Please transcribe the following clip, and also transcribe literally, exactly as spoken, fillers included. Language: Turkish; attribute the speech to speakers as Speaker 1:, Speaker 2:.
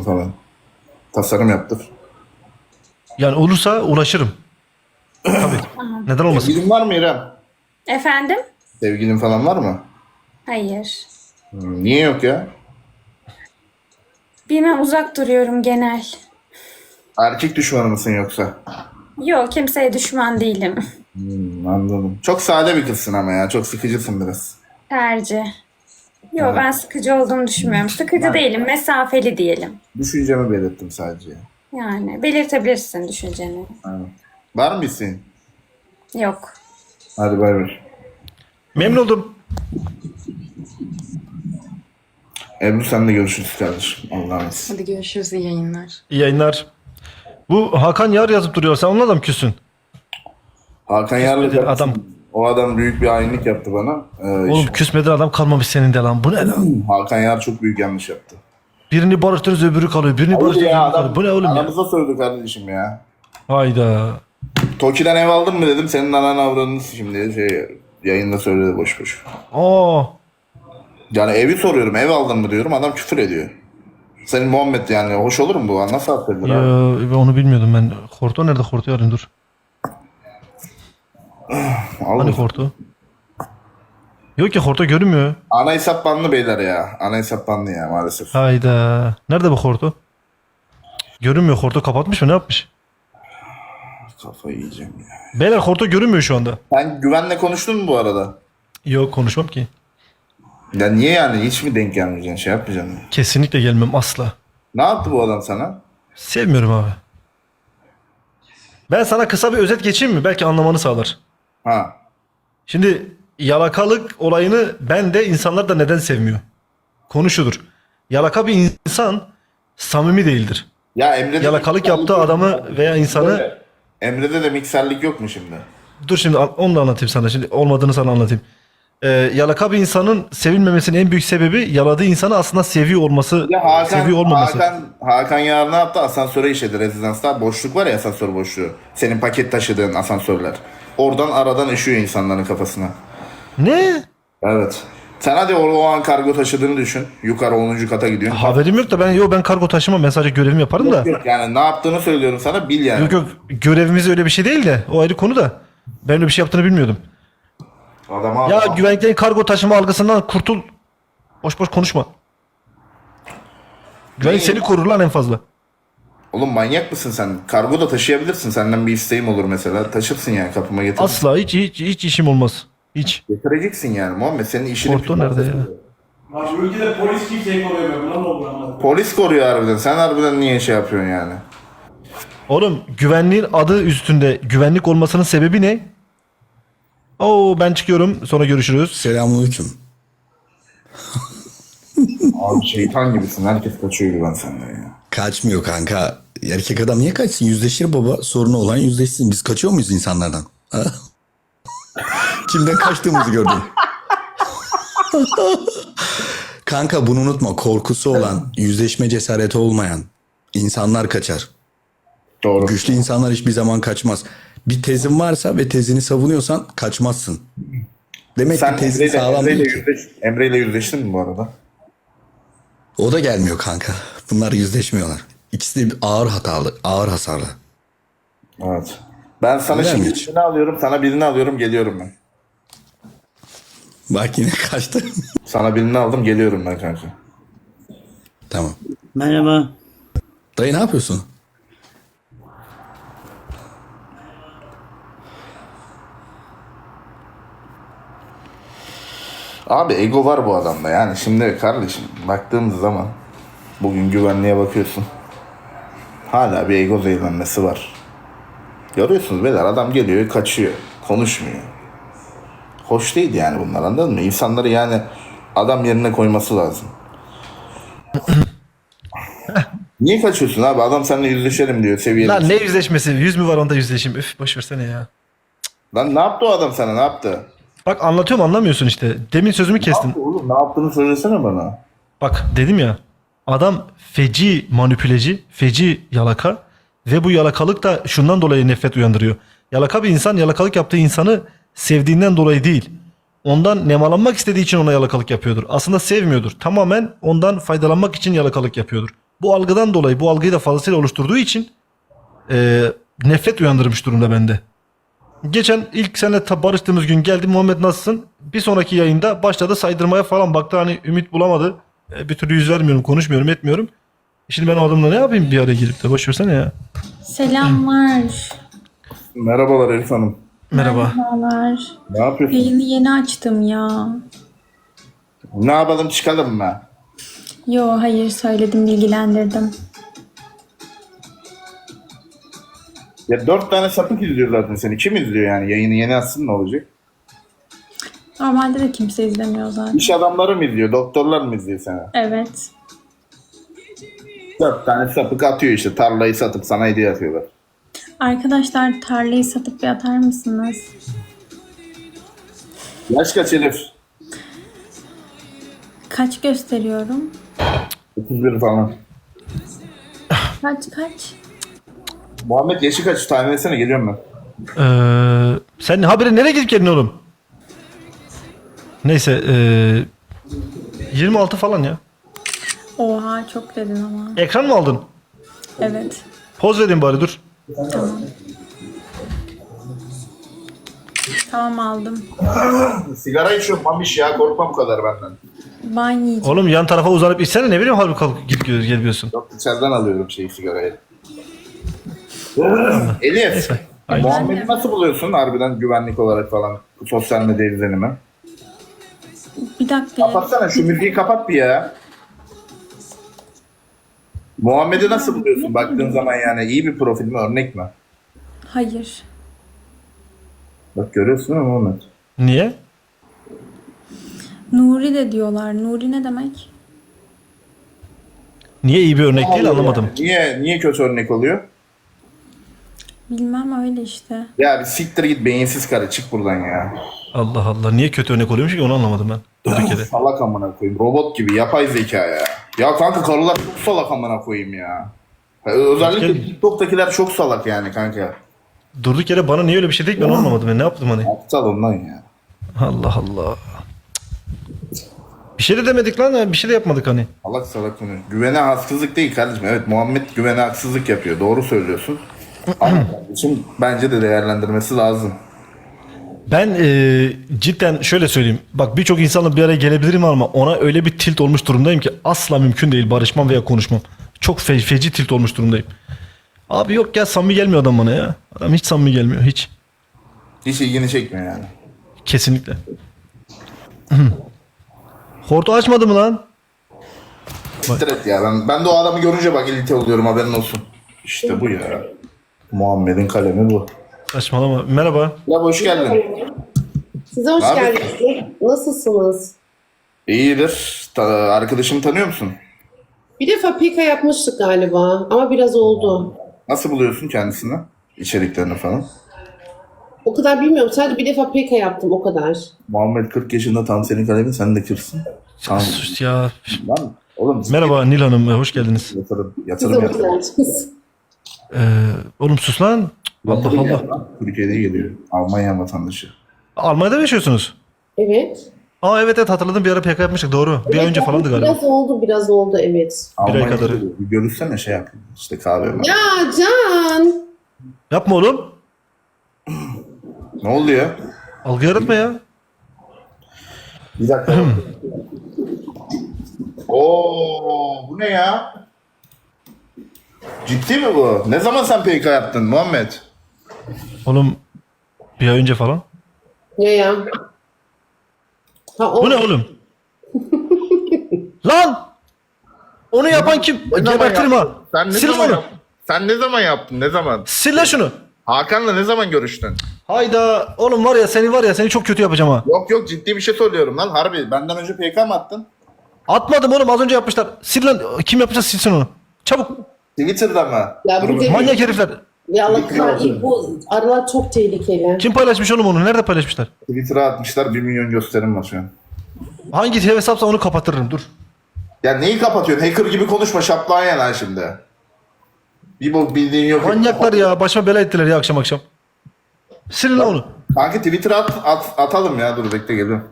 Speaker 1: falan. Tasarım yaptır.
Speaker 2: Yani olursa uğraşırım. Tabii. Neden olmasın?
Speaker 1: Sevgilin var mı İrem?
Speaker 3: Efendim?
Speaker 1: Sevgilin falan var mı?
Speaker 3: Hayır.
Speaker 1: Hmm, niye yok ya?
Speaker 3: Bilmem, uzak duruyorum genel.
Speaker 1: Erkek düşmanı mısın yoksa?
Speaker 3: Yok, kimseye düşman değilim.
Speaker 1: Hmm, anladım. Çok sade bir kızsın ama ya. Çok sıkıcısın biraz.
Speaker 3: Tercih. Yok, ben sıkıcı olduğumu düşünmüyorum. Sıkıcı değilim, mesafeli diyelim.
Speaker 1: Düşüncemi belirttim sadece.
Speaker 3: Yani belirtebilirsin düşünceni.
Speaker 1: Aynen. Var mı isteğin?
Speaker 3: Yok.
Speaker 1: Hadi bay bay.
Speaker 2: Memnun oldum.
Speaker 1: Ebru senle görüşürüz kardeşim. Allah'a emanet.
Speaker 4: Hadi görüşürüz, iyi yayınlar.
Speaker 2: İyi yayınlar. Bu Hakan Yar yazıp duruyor. Sen onunla da mı küssün?
Speaker 1: Hakan Yarlı
Speaker 2: Küsmedin adam.
Speaker 1: O adam büyük bir hainlik yaptı bana. Ee,
Speaker 2: Oğlum
Speaker 1: işte-
Speaker 2: küsmeden adam kalmamış senin de lan. Bu ne lan?
Speaker 1: Hakan Yar çok büyük yanlış yaptı.
Speaker 2: Birini barıştırırız öbürü kalıyor. Birini
Speaker 1: Oğlum
Speaker 2: barıştırırız
Speaker 1: ya
Speaker 2: öbürü kalıyor.
Speaker 1: adam
Speaker 2: Bu ne oğlum ya?
Speaker 1: aramıza sövdü kardeşim ya.
Speaker 2: Hayda.
Speaker 1: Toki'den ev aldın mı dedim. Senin anan avradını şimdi şey yayında söyledi boş boş.
Speaker 2: Aa.
Speaker 1: Yani evi soruyorum, ev aldın mı diyorum, adam küfür ediyor. Senin Muhammed yani hoş olur mu bu? Nasıl affedilir
Speaker 2: Ya,
Speaker 1: abi?
Speaker 2: ben onu bilmiyordum ben. Horto nerede? Horto'yu arayayım dur.
Speaker 1: Al
Speaker 2: Hani
Speaker 1: mısın?
Speaker 2: Horto? Yok ki Horto görünmüyor.
Speaker 1: Ana hesap banlı beyler ya. Ana hesap banlı ya maalesef.
Speaker 2: Hayda. Nerede bu Horto? Görünmüyor. Horto kapatmış mı? Ne yapmış?
Speaker 1: Kafayı yiyeceğim ya.
Speaker 2: Beyler Horto görünmüyor şu anda.
Speaker 1: Sen güvenle konuştun mu bu arada?
Speaker 2: Yok konuşmam ki.
Speaker 1: Ya niye yani? Hiç mi denk gelmeyeceksin? Şey yapmayacaksın mı?
Speaker 2: Kesinlikle gelmem asla.
Speaker 1: Ne yaptı bu adam sana?
Speaker 2: Sevmiyorum abi. Ben sana kısa bir özet geçeyim mi? Belki anlamanı sağlar.
Speaker 1: Ha.
Speaker 2: Şimdi yalakalık olayını ben de insanlar da neden sevmiyor? Konu şudur. Yalaka bir insan samimi değildir.
Speaker 1: Ya Emre'de
Speaker 2: Yalakalık yaptığı adamı veya insanı...
Speaker 1: Emre'de de mikserlik yok mu şimdi?
Speaker 2: Dur şimdi an- onu da anlatayım sana. Şimdi olmadığını sana anlatayım. Ee, yalaka bir insanın sevilmemesinin en büyük sebebi yaladığı insanı aslında seviyor olması,
Speaker 1: Ya Hakan,
Speaker 2: seviyor olmaması.
Speaker 1: Hakan, Hakan Yar ne yaptı? Asansöre işedi rezidansta. Boşluk var ya, asansör boşluğu. Senin paket taşıdığın asansörler. Oradan aradan üşüyor insanların kafasına.
Speaker 2: Ne?
Speaker 1: Evet. Sen hadi o, o an kargo taşıdığını düşün. Yukarı onuncu kata gidiyorsun.
Speaker 2: Haberim yok da ben yo ben kargo taşımam. Ben sadece görevimi yaparım da.
Speaker 1: Yok, yok. Yani ne yaptığını söylüyorum sana, bil yani.
Speaker 2: Yok yok görevimiz öyle bir şey değil de o ayrı konu da. Ben öyle bir şey yaptığını bilmiyordum.
Speaker 1: Adama
Speaker 2: Ya güvenliklerin kargo taşıma algısından kurtul. Boş boş konuşma. Güvenlik seni korur lan en fazla.
Speaker 1: Oğlum manyak mısın sen? Kargo da taşıyabilirsin. Senden bir isteğim olur mesela. Taşırsın yani, kapıma getir.
Speaker 2: Asla hiç hiç hiç işim olmaz. Hiç.
Speaker 1: Getireceksin yani Muhammed. Senin işini...
Speaker 2: Porto nerede ya?
Speaker 5: Bak şu ülkede polis kimseyi koruyamıyor. Buna mı olur ama?
Speaker 1: Polis koruyor harbiden. Sen harbiden niye şey yapıyorsun yani?
Speaker 2: Oğlum güvenliğin adı üstünde güvenlik olmasının sebebi ne? Oo ben çıkıyorum. Sonra görüşürüz.
Speaker 6: Selamünaleyküm.
Speaker 1: Abi şeytan gibisin. Herkes kaçıyor güven senden ya.
Speaker 6: Kaçmıyor kanka. Erkek adam niye kaçsın? Yüzleşir baba. Sorunu olan yüzleşsin. Biz kaçıyor muyuz insanlardan? Ha? Kimden kaçtığımızı gördün. Kanka bunu unutma. Korkusu olan, yüzleşme cesareti olmayan insanlar kaçar.
Speaker 1: Doğru.
Speaker 6: Güçlü insanlar hiçbir zaman kaçmaz. Bir tezin varsa ve tezini savunuyorsan kaçmazsın. Demek
Speaker 1: Sen
Speaker 6: ki tezin
Speaker 1: Emre'yle,
Speaker 6: sağlam
Speaker 1: Emre'yle,
Speaker 6: değil ki.
Speaker 1: yüzleş, Emre'yle yüzleştin mi bu arada?
Speaker 6: O da gelmiyor kanka. Bunlar yüzleşmiyorlar. İkisi de ağır hatalı, ağır hasarlı.
Speaker 1: Evet. Ben sana
Speaker 6: Öyle mi
Speaker 1: şimdi
Speaker 6: hiç?
Speaker 1: birini alıyorum, sana birini alıyorum, geliyorum ben.
Speaker 6: Bak yine kaçtı.
Speaker 1: Sana birini aldım, geliyorum ben kanka.
Speaker 6: Tamam.
Speaker 7: Merhaba.
Speaker 6: Dayı ne yapıyorsun?
Speaker 1: Abi ego var bu adamda yani. Şimdi kardeşim baktığımız zaman bugün güvenliğe bakıyorsun. Hala bir ego zehirlenmesi var. Görüyorsunuz beyler, adam geliyor kaçıyor. Konuşmuyor. Hoş değil yani bunlar, anladın mı? İnsanları yani adam yerine koyması lazım. Niye kaçıyorsun abi? Adam seninle yüzleşelim diyor, seviyeli.
Speaker 2: Lan ne yüzleşmesi? Yüz mü var onda yüzleşeyim? Üf boş versene ya.
Speaker 1: Lan ne yaptı o adam sana, ne yaptı?
Speaker 2: Bak anlatıyorum anlamıyorsun işte. Demin sözümü
Speaker 1: Ne
Speaker 2: kestin.
Speaker 1: yaptı oğlum? Ne yaptığını söylesene bana.
Speaker 2: Bak dedim ya. Adam feci manipüleci, feci yalaka ve bu yalakalık da şundan dolayı nefret uyandırıyor. Yalaka bir insan yalakalık yaptığı insanı sevdiğinden dolayı değil. Ondan nemalanmak istediği için ona yalakalık yapıyordur. Aslında sevmiyordur. Tamamen ondan faydalanmak için yalakalık yapıyordur. bu algıdan dolayı bu algıyı da fazlasıyla oluşturduğu için e, nefret uyandırmış durumda bende. Geçen ilk seninle ta- barıştığımız gün geldi, Muhammed nasılsın? Bir sonraki yayında başladı saydırmaya falan, baktı hani ümit bulamadı. E, bir türlü yüz vermiyorum, konuşmuyorum, etmiyorum. Şimdi ben o adamla ne yapayım bir araya girip de, boş versene ya.
Speaker 3: Selamlar.
Speaker 1: Merhabalar Elif Hanım.
Speaker 2: Merhaba.
Speaker 3: Merhabalar.
Speaker 1: Ne yapıyorsun?
Speaker 3: Yayını yeni açtım ya.
Speaker 1: Ne yapalım, çıkalım mı?
Speaker 3: Yo hayır, söyledim, bilgilendirdim.
Speaker 1: Ya dört tane sapık izliyor zaten seni. Kim izliyor yani? Yayını yeni açsın ne olacak?
Speaker 3: Normalde de kimse izlemiyor zaten.
Speaker 1: İş adamları mı izliyor? Doktorlar mı izliyor seni?
Speaker 3: Evet.
Speaker 1: Dört tane sapık atıyor işte. Tarlayı satıp sana hediye atıyorlar.
Speaker 3: Arkadaşlar, tarlayı satıp bir atar mısınız?
Speaker 1: Yaş kaç Elif?
Speaker 3: Kaç gösteriyorum?
Speaker 1: otuz bir falan.
Speaker 3: Kaç kaç?
Speaker 1: Muhammed yaşı kaç? Tahmin etsene, geliyorum ben.
Speaker 2: Ee, sen habire nereye gidip geldin oğlum? Neyse e, yirmi altı falan ya.
Speaker 3: Oha, çok dedin ama.
Speaker 2: Ekran mı aldın?
Speaker 3: Evet.
Speaker 2: Poz vereyim bari, dur.
Speaker 3: Tamam. Tamam, aldım.
Speaker 1: Sigara içiyorum mamiş ya. Korkma bu kadar benden.
Speaker 3: Ben yiyeceğim.
Speaker 2: Oğlum yan tarafa uzanıp içsene, ne bileyim halbuki kalkıp gidip gel- geliyorsun.
Speaker 1: Yok, içeriden alıyorum şeyi, sigarayı. Elif. Muhammed'i nasıl buluyorsun harbiden, güvenlik olarak falan? Sosyal medya izlenimi.
Speaker 3: Bir dakika.
Speaker 1: Kapatsana şu müziği, kapat bir ya. Muhammed'i nasıl buluyorsun baktığın zaman, yani iyi bir profil mi, örnek mi?
Speaker 3: Hayır.
Speaker 1: Bak görüyorsun değil mi Muhammed?
Speaker 2: Niye?
Speaker 3: Nuri de diyorlar. Nuri ne demek?
Speaker 2: Niye iyi bir örnek değil, anlamadım.
Speaker 1: Niye niye kötü örnek oluyor?
Speaker 3: Bilmem, öyle işte.
Speaker 1: Ya bir siktir git beyinsiz karı, çık buradan ya.
Speaker 2: Allah Allah, niye kötü örnek oluyormuş ki, onu anlamadım ben. Durduk yere.
Speaker 1: Salak amına koyayım, robot gibi yapay zeka ya. Ya kanka karılar çok salak amına koyayım ya. Ya özellikle
Speaker 2: Gel.
Speaker 1: TikTok'takiler çok salak yani kanka.
Speaker 2: Durduk yere bana niye öyle bir şey dedik, ben anlamadım. Ben ne yaptım hani?
Speaker 1: Aptal ondan ya.
Speaker 2: Allah Allah. Bir şey de demedik lan, bir şey de yapmadık hani.
Speaker 1: Salak salak konu. Güvene haksızlık değil kardeşim. Evet, Muhammed güvene haksızlık yapıyor. Doğru söylüyorsun. Ama kardeşim bence de değerlendirmesi lazım.
Speaker 2: Ben e, cidden şöyle söyleyeyim. Bak, birçok insanla bir araya gelebilirim ama ona öyle bir tilt olmuş durumdayım ki asla mümkün değil barışmam veya konuşmam. Çok fe- feci tilt olmuş durumdayım. Abi yok ya, samimi gelmiyor adam bana ya. Adam hiç samimi gelmiyor, hiç.
Speaker 1: Hiç ilgini çekmiyor yani.
Speaker 2: Kesinlikle. Hortu açmadı mı lan?
Speaker 1: Siktir et ya. Ben, ben de o adamı görünce bak ilite oluyorum, haberin olsun. İşte bu ya. Muhammed'in kalemi bu.
Speaker 2: Saçmalama. Merhaba.
Speaker 1: Ya hoş geldin.
Speaker 4: Size hoş
Speaker 1: Ne
Speaker 4: geldiniz. Nasılsınız?
Speaker 1: İyidir. Ta- arkadaşımı tanıyor musun?
Speaker 4: Bir defa P K yapmıştık galiba ama biraz oldu.
Speaker 1: Nasıl buluyorsun kendisini? İçeriklerini falan.
Speaker 4: O kadar bilmiyorum. Sadece bir defa P K yaptım, o kadar.
Speaker 1: Muhammed kırk yaşında, tam senin kalemin, sen de kırsın. Tamam.
Speaker 2: Sus ya.
Speaker 1: Lan oğlum.
Speaker 2: Merhaba Nil Hanım, hoş geldiniz.
Speaker 1: Yatırım,
Speaker 4: Siz
Speaker 1: yatırım,
Speaker 4: hoş
Speaker 1: yatırım.
Speaker 4: geldiniz.
Speaker 2: Ee, oğlum sus lan. Allah
Speaker 1: Yatırım
Speaker 2: Allah.
Speaker 1: yap lan. Türkiye'de geliyor. Almanya vatandaşı.
Speaker 2: Almanya'da mı yaşıyorsunuz?
Speaker 4: Evet.
Speaker 2: Aa evet evet, hatırladım, bir ara P K yapmıştık, doğru. Bir ay
Speaker 4: Evet,
Speaker 2: önce falandı galiba.
Speaker 4: Biraz oldu, biraz oldu, evet.
Speaker 1: Almanya'da
Speaker 2: kadarı.
Speaker 1: geliyor. Bir görüşsene, şey yap. İşte kahve var.
Speaker 4: Ya Can!
Speaker 2: Yapma oğlum.
Speaker 1: Ne oluyor?
Speaker 2: Algı yaratma ya.
Speaker 1: Bir dakika. Oo, bu ne ya? Ciddi mi bu? Ne zaman sen P K yaptın Muhammed?
Speaker 2: Oğlum bir ay önce falan.
Speaker 4: Ne ya? Ha, o...
Speaker 2: Bu ne oğlum? Lan! Onu yapan kim? Gebertirim ha.
Speaker 1: Sen ne
Speaker 2: Sil
Speaker 1: zaman
Speaker 2: onu.
Speaker 1: yaptın? Sen ne zaman yaptın? Ne zaman?
Speaker 2: Sil lan şunu.
Speaker 1: Hakan'la ne zaman görüştün?
Speaker 2: Hayda. Oğlum var ya, seni var ya, seni çok kötü yapacağım ha.
Speaker 1: Yok yok, ciddi bir şey söylüyorum lan. Harbi benden önce P K mı attın?
Speaker 2: Atmadım oğlum, az önce yapmışlar. Sil lan. Kim yapacak, silsin onu. Çabuk.
Speaker 1: Twitter'da mı?
Speaker 4: Ya
Speaker 1: Dur
Speaker 4: bu
Speaker 1: bakayım.
Speaker 4: dedi-
Speaker 2: Manyak herifler.
Speaker 4: Ya Allah kahretsin, bu aralar çok tehlikeli.
Speaker 2: Kim paylaşmış oğlum onu? Nerede paylaşmışlar?
Speaker 1: Twitter'a atmışlar, bir milyon gösterim var şu an.
Speaker 2: Hangi hesapsa onu kapatırım, dur.
Speaker 1: Ya neyi kapatıyorsun? Hacker gibi konuşma, şaplağın ya lan şimdi. Bir bok bildiğin yok.
Speaker 2: Manyaklar ya, başıma bela ettiler ya akşam akşam. Silin lan onu.
Speaker 1: Kanka Twitter'a at, at, atalım ya, dur bekle geliyorum.